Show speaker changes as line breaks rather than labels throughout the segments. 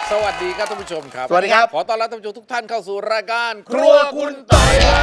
สวัสดีครับท่านผู้ชมครับ
สวัสดีครับ
ขอต้อนรับท่านผู้ชมทุกท่านเข้าสู่รายการครัวคุณต่อยครับ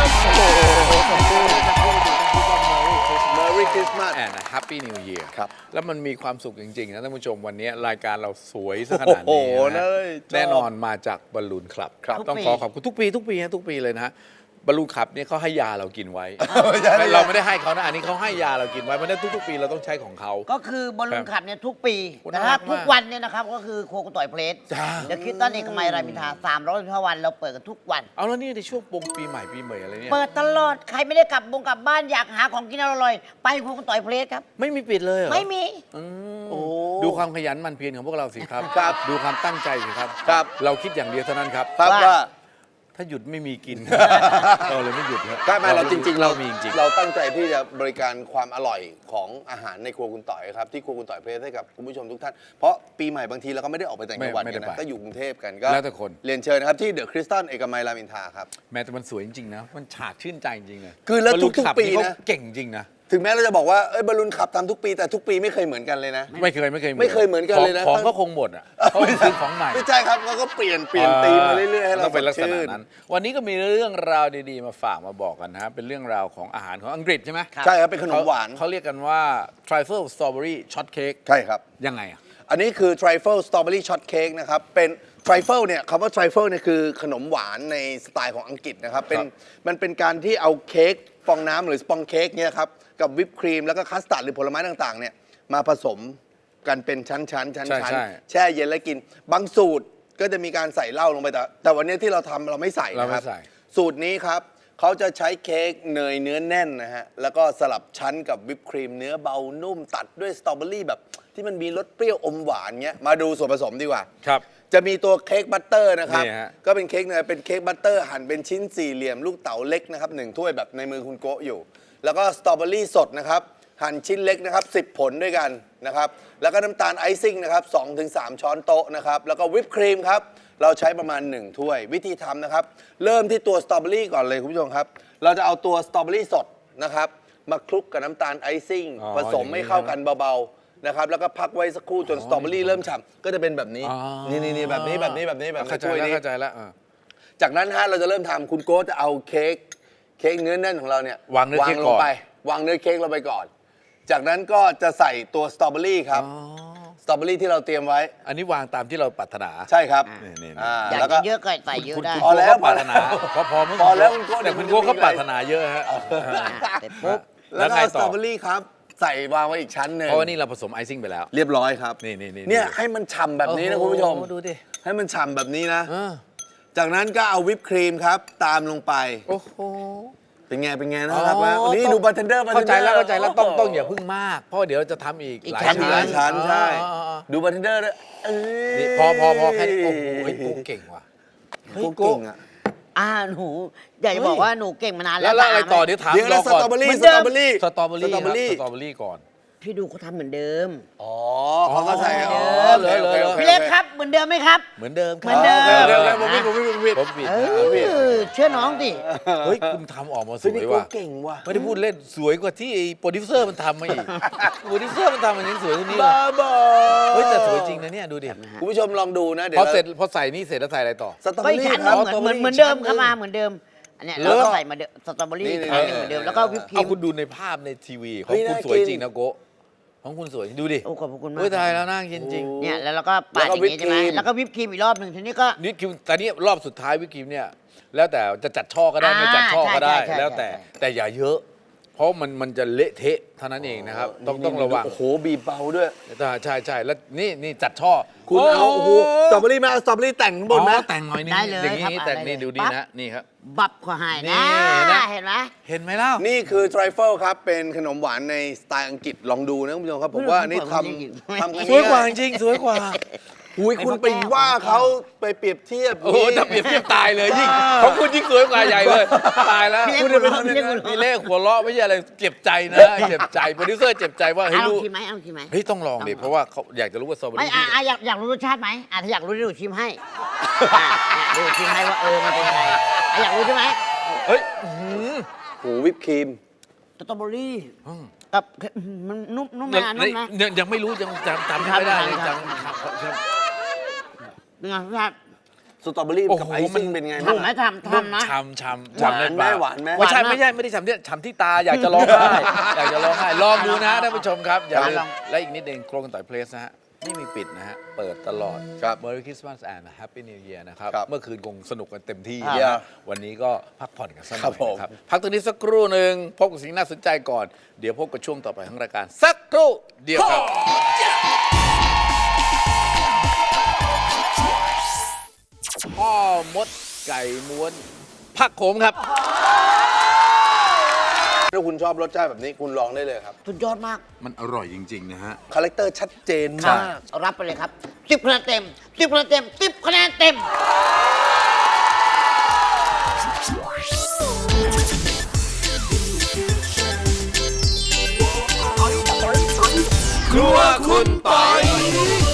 Merry Christmas
แอนด์ Happy New Year
ครับ
แล้วมันมีความสุขจริงๆนะท่านผู้ชมวันนี้รายการเราสวยซะขนาด
โอ้
นี้
โห
นะ
เลยชอบ
แน่นอนมาจากบอลลูนคลับ
ครับ
ต้องขอขอบคุณทุกปีทุกปีเลยนะฮะบอลลูนคลับเนี่ยเขาให้ยาเรากินไว้
ไม่ใช่
เราไม่ได้ให้เขานะอันนี้เขาให้ยาเรากินไว้เพราะฉะนั้นทุกๆปีเราต้องใช้ของเขา
ก็คือบอลลูนขับเนี่ยทุกปี
คุณ
นะ
น่า
ค
รั
รั
ก
บ
มาก
ทุกวันเนี่ยนะครับก็คือครัวคุณต่อยเพลส
จ้า
เดี๋ยวคิดตันเอกมัยรามอินทรา365วันเราเปิดกันทุกวัน
เอาแล้วนี่ในช่วงปงปีใหม่ปีใหม่อะไรเนี่ย
เปิดตลอดใครไม่ได้กลับบ้านอยากหาของกินอร่อยๆไปครัวคุณต่อยเพลสครับ
ไม่มีปิดเลยเหรอ
ไม่มี
อืม
โอ้
ดูความขยันหมันเพียรของพวกเราสิครับ
ครับ
ดูความตั้งใจสิครับ
ครับ
เราคิดอย่างเดียวเท่านั้นครับ
ครับว่า
ถ้าหยุดไม่มีกิน เราเลยไม่หยุดครับ
ก็ไม่เราจริงๆ
เรามีจริง
เราตั้งใจที่จะบริการความอร่อยของอาหารในครัวคุณต่อยครับที่ครัวคุณต่อยเพลสให้กับคุณผู้ชมทุกท่านเพราะปีใหม่บางทีเราก็ไม่ได้ออกไปต่างจังหวัดกันนะก็อยู่กรุงเทพกันก็
แล้วแต่คน
เรียนเชิญนะครับที่เดอะคริสตัลเอกมัยรามอินทราครับ
แม้แต่มันสวยจริงๆนะ มันฉาดชื่นใจจริงๆเลย
คือแล้วทุกๆ
บอลลูขับ
ปี
เขา
นะ
เก่งจริงนะ
ถึงแม้เราจะบอกว่าบอลลูนขับทำทุกปีแต่ทุกปีไม่เคยเหมือนกันเลยนะ
ไม่เคย
ไม่เคยเหมือนกันเลยนะ
ของก็คงหมดอ่ะเขาไปซื้อของใหม่
ไม่ใช่ครับเขาก็เปลี่ยนธีมมาเรื่อยๆให้เรา
ต้องเป็นลักษ
สด
ณะ
ชื่
นั้น วันนี้ก็มีเรื่องราวดีๆมาฝากมาบอกกันนะฮะเป็นเรื่องราวของอาหารของอังกฤษใช่ไหม
ใช่ครับเป็นขนมหวาน
เขาเรียกกันว่า trifle strawberry shortcake
ใช่ครับ
ยังไงอ่ะ
อันนี้คือ trifle strawberry shortcake นะครับ เป็น trifle เนี่ยคำว่า trifle เนี่ยคือขนมหวานในสไตล์ของอังกฤษนะครับ มันเป็นการที่เอาเค้กฟองน้ำหรือสปองเค้กเนี่ยครับ กับวิปครีมแล้วก็คัสตาร์ดหรือผลไม้ต่างๆเนี่ยมาผสมกันเป็นชั้นๆแช่เย็นแล้วกิน บางสูตรก็จะมีการใส่เหล้าลงไปแต่วันนี้ที่เราทำเราไม่ใส่นะครับ
เราไม่ใส่
สูตรนี้ครับเขาจะใช้เค้กเนยเนื้อแน่นนะฮะ แล้วก็สลับชั้นกับวิปครีมเนื้อเบานุ่มตัดด้วยสตรอเบอรี่แบบที่มันมีรสเปรี้ยวอมหวานเงี้ย มาดูส่วนผสมดีกว่า
ครับ
จะมีตัวเค้กบัตเตอร์นะครับ
นี่ฮะ
ก็เป็นเค้กเนยเป็นเค้กบัตเตอร์หั่นเป็นชิ้นสี่เหลี่ยมลูกเต๋าเล็กนะครับ1 ถ้วยแบบในมือคุณโกะอยู่ แล้วก็สตรอเบอรี่สดนะครับ หั่นชิ้นเล็กนะครับ10 ผลด้วยกันนะครับ แล้วก็น้ำตาลไอซิ่งนะครับ2-3 ช้อนโต๊ะนะครับ แล้วก็วิปครีมครับ เราใช้ประมาณ1 ถ้วย วิธีทำนะครับ เริ่มที่ตัวสตรอเบอรี่ก่อนเลยคุณผู้ชมครับ เราจะเอาตัวสตรอเบอรี่สดนะครับมาคลุกกับน้ำตาลไอซิ่ง
อ๋อ
ผสมให้เข้ากันเบาๆนะครับ แล้วก็พักไว้สักครู่จนสตรอเบอรี่เริ่มฉ่ำก็จะเป็นแบบนี้
อ๋อ
นี่แบบนี้แบบ
เข้าใจ
ถ้วย
แล้ว
นี้
เข้าใจแล้ว
จากนั้นฮะเราจะเริ่มทำคุณโก้จะเอาเค้กเนื้อแน่นของเราเนี่ยว
างเนื้อเค้ก
ล
ก่
ง
อน
ไปวางเนื้อเค้กลงไปก่อน จากนั้นก็จะใส่ตัวสตรอเบอรี่ครับสตรอเบอรี่ที่เราเตรียมไว้
อันนี้วางตามที่เราปรารถนา
ใช่ครับ
นี่
อยาก
แล้วก็
กินเยอะก็ใส่เยอะ
คุณ
ได้
คุณ
พอแล้ว
ก็ปรารถนาพอ
พอแล้วคุณโก้
แต่คุณโก้ก็ปรารถนาเยอะฮะ
เสร็จปุ๊บ
แล้วก็
ไง
เอาส
ต่
ตร
อ
อเบอรี่ครับใส่วางไว้อีกชั้นหนึ่ง
เพราะว่านี่เราผสมไอซิ่งไปแล้ว
เรียบร้อยครับ
นี่
เนี่ยให้มันฉ่ำแบบนี้นะคุณผู้ชม
โอ้โหดูดิ
ให้มันฉ่ำแบบนี้นะ
เออ
จากนั้นก็เอาวิปครีมครับตามลงไป
โอ้โห
เป็นไงนะครับว่าวันนี้ดูบาร์เทนเดอร์
เข้าใจแล้วต้องอย่าพึ่งมาก เพราะเดี๋ยวจะทำอีก
อีก
หลาย
ชั้นใช่
อ๋อ
ดูบาร์เทนเดอร์ด้วยเอ้ย
นี่พอแค่นี้โอ้โหไอ้โก้เก่งว่ะ
โก้เก่งอะ
หนูอยากจะบอกว่าหนูเก่งมานาน
แล้
แล้ว ว
อะไรต่อเดี๋ยวถาม
เดี๋ยว
ร
นะ
อ
ส
ก่อน
ตรอเบอรี่
เหมื
ส
อน
ตร
เดิ
อ
ม
เบอรี่
สตรอเบอรี่
สตรอเบอรี่
สตรอเบอรี่ก่อน
พี่ดูเขาทำเหมือนเดิม
อ๋อเขาก็ใส่อ๋อ
เหรอ
โอค
พี่เล็กครับเหมือนเดิมไหมครับ
เหมือนเดิม
เหมือนเดิม
เดี๋ยวผมผิด
ผมผิด
เชื่อน้องดิ
เฮ้ยคุณทำออกมาส
ซึ่ง
ว
นี่
ย
โก้
ว่ะ
เก่งว่ะ
ไม่ได้พูดเล่นสวยกว่าที่ไอ้โปรดิวเซอร์มันทำมาอีกโปรดิวเซอร์มันทำมันยังสวยกว่านี้เลย
บ้าบอ
เฮ้ยแต่สวยจริงนะเนี่ยดูดิ
คุณผู้ชมลองดูนะเดี๋ย
พ
ว
อเสร็จพอใส่นี่เสร็จแล้วใส่อะไรต่อ
สตรอเบ
ก็
อ
อีก
รี่
ชั้น
ครับ
เหมือนเดิมเข้ามาเหมือนเดิมอันเนี้ยเราก็ใส่มาสตรอเบอรี่
นี่
อีกชั้นหนึ่งเหมือนเดิมแล้วก็วิปครี
เอา
ม
คุณดูในภาพในทีวีขอ
เฮ้
ง
ย
คุณ
น่า
สวย
กิน
จริงนะโกะของคุณสวยดูดิ
โอ้ขอบคุณมาก
เฮ้ยตายแล้วน่ากินจริง
เนี่ยแล้วเราก็ปาดอย่างนี้ใช่ไหมแล้วก็วิปครีมอีกรอบหนึ่งทีนี้ก็
นี่คือแต่นี่รอบสุดท้ายวิปครีมเนี่ยแล้วแต่จะจัดช่อก็ได้ไม่จัดช่อก็ได้
ใช่
แล้วแต่
ใช่
แต่อย่าเยอะ เพราะมันจะเละเทะเท่านั้นเองนะครับต้องระวัง
โอ้โหบีบเบาด้วย
ใช่แล้วนี่จัดช่อ
คุณเอาโอ้โหสตรอเบอรี่มาเอาสตรอเบอรี่แต่งข้างบน
อ๋
นะ
อแต่งหน่อยนึง
ได้เลย
อย่างนี้
ครับ
แต่ง
อะไร
นี่
เลย
ดูดี
ปั๊บ
นะนี่ครับ
บับขอให้
นี่
นะ
นะ
เห็นไหม
เห็นไหมเล่า
นี่คือ trifle ครับ เป็นขนมหวานในสไตล์อังกฤษลองดูนะคุณผู้ชมครับ ผมว่านี่ทำกัน
สวยกว่าจริงๆสวยกว่า
หุยคุณไปว่าเขาไปเปรียบเทียบ
โอ้โหถ้าเปรียบเทียบตายเลยยิ่งของคุณยิ่งสวยกว่าใหญ่เลยตายแล้ว
พี่เล็กหัวเราะพี่เล็กหัวเราะ
มีเลขหัวเราะไม่ใช่อะไรเจ็บใจนะเจ็บใจโปรดิวเซอร์เจ็บใจว่าเฮ้ย
เอา
ลูก
ชิมไหมเอาชิมไหม
เฮ้ยต้องลองดิเพราะว่าเขาอยากจะรู้ว่าสตรอเบอ
ไม่
รี่
อยากรู้รสชาติไหมถ้าอยากรู้เดี๋ยวหนูชิมให้เดี๋ยวหนูชิมให้ว่ามันเป็นยังไงอยากรู้ใช่ไหม
เฮ้ย
โอ้โหวิปครีม
สตรอเบอรี่กับมันนุ่มนะนุ่มนะ
ยังไม่รู้ยังจำไม่ได้เลย
ครับ
จำ
เป็นไงพี่ชาติ
สตรอเบอรี่
โอ้โห
กับไอซิ่ง
มัน
เป็นไง
ทำไหมทำนะ
ช้ำ
หวาน
ใน
ไหม
ปาก
หวานไหม
ไม่ใช่
หวานมาก
ไม่ได้ช้ำที่ช้ำที่ตาอยากจะร้องไห้ อยากจะร้องไห้ลองดูนะท่านผู้ชมครับอย่าลื
ล
ม
อง
และอีกนิดเองโครงกันต่อยเพลสนะฮะไม่มีปิดนะฮะเปิดตลอด
ครับ
Merry Christmas and Happy New Year นะครับ
ครับ
เมื่อคืนคงสนุกกันเต็มที่
ครับ
นะวันนี้ก็พักผ่อนกันสักหน่อย
ครับผม
นะครับพักตรงนี้สักครู่หนึ่งพบกับสิ่งน่าสนใจก่อนเดี๋ยวพบกับช่วงต่อไปของรายการสักครู่เดียวครับ พ่อมดไก่ม้วนผักโขมครับ
ถ้าคุณชอบรสชาติแบบนี้คุณลองได้เลยครับ
สุดยอดมาก
มันอร่อยจริง ๆ นะฮะ
คาแรคเตอร์ชัดเจน
ครับ
มาก
รับไปเลยครับ10คะแนนเต็ม10คะแนนเต็ม10คะแนนเต็ม
ครัวคุณปอย